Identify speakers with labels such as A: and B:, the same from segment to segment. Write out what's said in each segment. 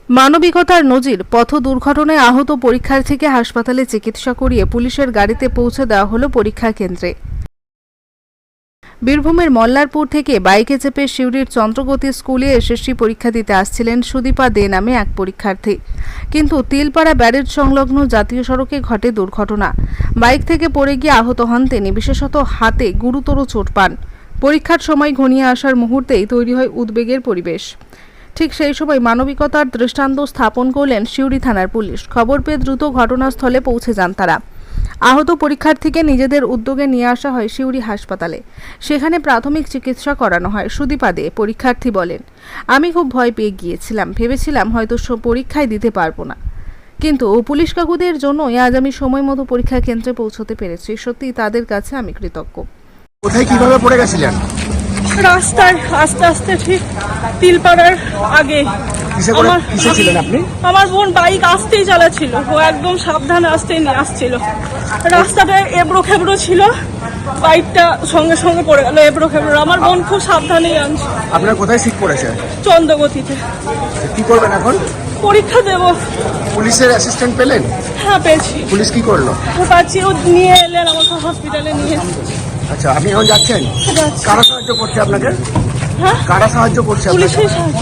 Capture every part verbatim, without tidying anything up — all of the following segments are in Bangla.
A: মানবিকতার নজির, পথ দুর্ঘটনায় আহত পরীক্ষার্থীকে হাসপাতালে চিকিৎসা করিয়ে পুলিশের গাড়িতে পৌঁছে দেওয়া হলো পরীক্ষা কেন্দ্রে। বীরভূমের মল্লারপুর থেকে বাইকে চেপে সিউড়ির চন্দ্রগতি স্কুলে এসএসসি পরীক্ষা দিতে আসছিলেন সুদীপা দে নামে এক পরীক্ষার্থী, কিন্তু তিলপাড়া ব্যারেজ সংলগ্ন জাতীয় সড়কে ঘটে দুর্ঘটনা। বাইক থেকে পড়ে গিয়ে আহত হন তিনি, বিশেষত হাতে গুরুতর চোট পান। পরীক্ষার সময় ঘনিয়ে আসার মুহূর্তেই তৈরি হয় উদ্বেগের পরিবেশ। ঠিক সেই সময় মানবিকতার দৃষ্টান্ত স্থাপন করলেন সিউড়ি থানার পুলিশ। খবর পেয়ে দ্রুত ঘটনাস্থলে পৌঁছে যান তারা। আহত পরীক্ষার্থীকে নিজেদের উদ্যোগে নিয়ে আসা হয় সিউড়ি হাসপাতালে। সেখানে প্রাথমিক চিকিৎসা করানো হয়। সুদীপা দে পরীক্ষার্থী বলেন, আমি খুব ভয় পেয়ে গিয়েছিলাম, ভেবেছিলাম হয়তো পরীক্ষায় দিতে পারবো না, কিন্তু পুলিশ কাকুদের জন্যই আজ আমি সময় মতো পরীক্ষা কেন্দ্রে পৌঁছতে পেরেছি। সত্যি তাদের কাছে আমি কৃতজ্ঞ।
B: কোথায় কিভাবে পড়ে গেছিলেন?
C: রাস্তায় আস্তে আস্তে ঠিক তিলপাড়ার আগে। আমার
B: কিসে ছিলেন আপনি?
C: আমার বোন বাইক আসতেই চালাচ্ছিল, ও একদম সাবধানে আসতেই নিয়ে আসছিল। রাস্তাটা এবড়ো খেবড়ো ছিল, বাইকটা সঙ্গে সঙ্গে পড়ে গেল এবড়ো খেবড়ো। আমার বোন খুব সাবধানেই আনছে।
B: আপনার কোথায় সিট পড়েছে?
C: চন্দ্রগতিতে।
B: কি করবেন এখন?
C: পরীক্ষা দেব।
B: পুলিশের অ্যাসিস্ট্যান্ট পেলেন?
C: হ্যাঁ পেয়েছি।
B: পুলিশ কি করলো?
C: ও পাচ্ছি, ও নিয়ে এলেন আমাকে হসপিটালে নিয়ে।
B: আচ্ছা, আপনি এখন যাচ্ছেন? কারা সাহায্য করছে আপনাকে?
C: হ্যাঁ,
B: কারা সাহায্য করছে?
C: পুলিশের সাহায্য।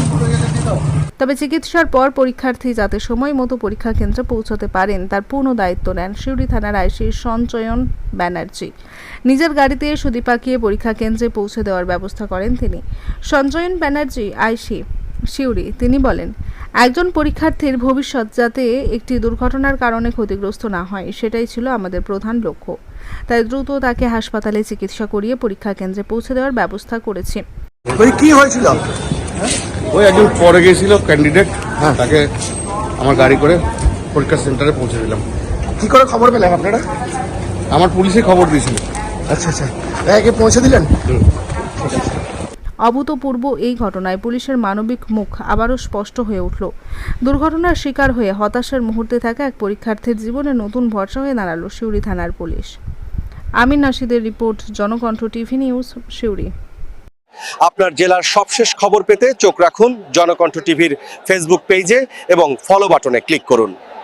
A: তবে চিকিৎসার পর পরীক্ষার্থী যাতে সময় মতো পরীক্ষা কেন্দ্রে পৌঁছতে পারেন তার পূর্ণ দায়িত্ব নেন সিউড়ি থানার আইসি সঞ্চয়ন ব্যানার্জি। নিজের গাড়িতে সুদীপাকে পরীক্ষা কেন্দ্রে পৌঁছে দেওয়ার ব্যবস্থা করেন তিনি। সঞ্চয়ন ব্যানার্জি আইসি সিউড়ি তিনি বলেন, একজন পরীক্ষার্থীর ভবিষ্যৎ যাতে একটি দুর্ঘটনার কারণে ক্ষতিগ্রস্ত না হয় সেটাই ছিল আমাদের প্রধান লক্ষ্য। তাই দ্রুত তাকে হাসপাতালে চিকিৎসা করিয়ে পরীক্ষা কেন্দ্রে পৌঁছে দেওয়ার ব্যবস্থা করেছি।
B: কি হয়েছিল?
D: ওই একজন পরে গিয়েছিল ক্যান্ডিডেট, হ্যাঁ তাকে আমার গাড়ি করে পরীক্ষা সেন্টারে পৌঁছে দিলাম।
B: কি করে খবর পেলেন আপনারা?
D: আমার পুলিশে খবর দিয়েছিল।
B: আচ্ছা আচ্ছা, একে পৌঁছে দিলেন।
A: অভূতপূর্ব এই ঘটনায় পুলিশের মানবিক মুখ আবারও স্পষ্ট হয়ে উঠল। দুর্ঘটনার শিকার হয়ে হতাশার মুহূর্তে থাকা এক পরীক্ষার্থীর জীবনে নতুন ভরসা হয়ে দাঁড়ালো সিউড়ি থানার পুলিশ। আমিন নাশিদের report, Janakantha TV news, Suri.
E: আপনার জেলার সবশেষ খবর পেতে চোখ রাখুন জনকণ্ঠ টিভির ফেসবুক পেজে এবং ফলো বাটনে ক্লিক করুন।